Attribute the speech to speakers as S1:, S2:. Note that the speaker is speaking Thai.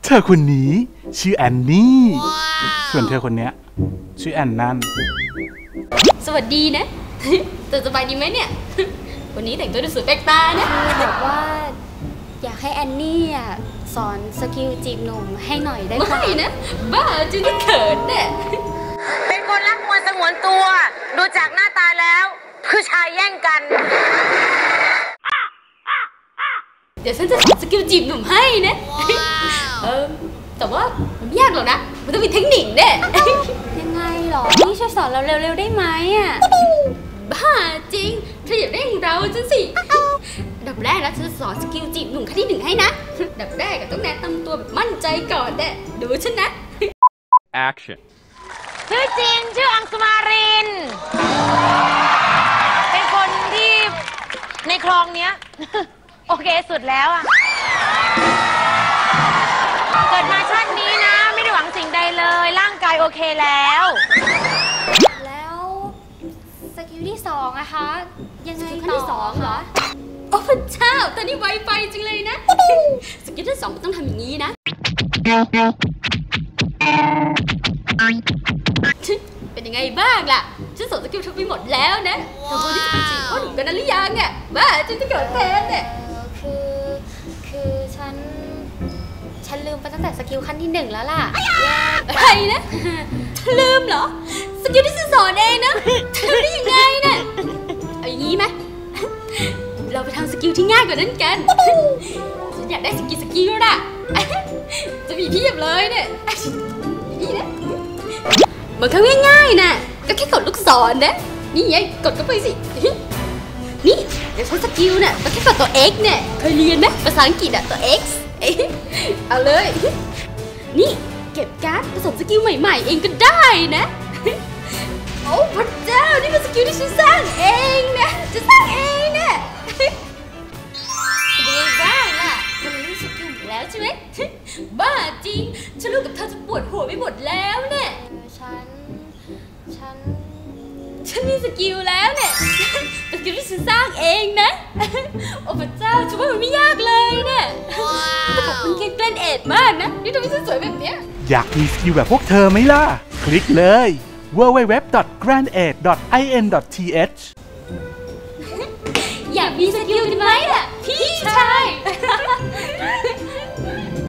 S1: เธอคนนี้ชื่อแอนนี่ส่วนเธอคนนี้ชื่อแอนนั่น
S2: สวัสดีนะเธอสบายดีไหมเนี่ยวันนี้แต่งตัวดูสวยแปลกตานะ
S3: บอกว่าอยากให้แอนนี่สอนสกิลจีบหนุ่มให้หน่อยได้ไหม
S2: ไม่นะบ้าจริงก็เขินเนี่ย
S4: เป็นคนรักมวลสงวนตัวดูจากหน้าตาแล้วผู้ชายแย่งกัน
S2: เดี๋ยวฉันจะสอนสกิลจีบหนุ่มให้นะแต่ว่ามันไม่ยากหรอกนะมันต้องมีเทคนิคเนี่ย
S3: ยังไงหรอนี่ช่วยสอนเราเร็วๆได้ไหม
S2: บ้าจริงเธออยากได้ของเราจังสิดับแรกนะฉันจะสอนสกิลจีบหนุ่มขั้นที่1ให้นะดับแรกก็ต้องแนะนำตัวแบบมั่นใจก่อนเนี่ยดูฉันนะ
S5: Action
S4: ชื่อจริงชื่ออังสุมารินเป็นคนที่ในคลองเนี้ยโอเคสุดแล้วเกิดมาชาตินี้นะไม่ได้หวังสิ่งใดเลยร่างกายโอเคแล้ว
S3: สกิลที่2อะคะยังไง
S2: ขั้นที่2เหรอโอ้พระเจ้าตอนนี้ไวไฟจริงเลยนะสกิลที่2มันต้องทำอย่างนี้นะเป็นยังไงบ้างล่ะฉันสอนสกิลทุกไปหมดแล้วนะเธอพอที่จะเป็นจีบพ่อหนุ่มกันนั้นหรือยังเนี่ยบ้าฉันจะเกิดแทนเนี่ย
S3: คือฉันลืมไปตั้งแต่สกิลขั้นที่1แล้วล่ะ
S2: อะไรนะลืมเหรอสกิลที่ฉันสอนเองนะเธอได้ยังไงเนี่ยเอาอย่างนี้ไหมเราไปทำสกิลที่ง่ายกว่านั้นกันฉันอยากได้สกิลน่ะจะมีเพียบเลยเนี่ยนี่นะมันก็ง่ายๆนะก็แค่กดลูกศรนะนี่ไงกดเข้าไปสินี่เดี๋ยวใช้สกิลน่ะก็แค่กดตัว X เนี่ยเคยเรียนไหมภาษาอังกฤษตัว X เอาเลยนี่เก็บการ์ดผสมสกิลใหม่ๆเองก็ได้นะโอ้พระเจ้านี่เป็นสกิลที่ฉันสร้างเองนะจะสร้างเองเนี่ยเป็นยังไงบ้างล่ะมันรู้สกิลหมดแล้วใช่ไหมบ้าจริงฉันรู้กับเธอจะปวดหัวไปหมดแล้วเนี่ยฉันมีสกิลแล้วเนี่ยเป็นสกิลที่ฉันสร้างเองนะโอ้พระเจ้าฉันว่ามันไม่ยากเลยเนี่ยแต่ขอบคุณแกล้นเอ็ดมากนะที่ทำให้ฉันสวยแบบเนี้ย
S1: อยากมีสกิลแบบพวกเธอไหมล่ะคลิกเลย www.grandaid.in.th
S2: อยากมีสกิลไหมล่ะพี่ชาย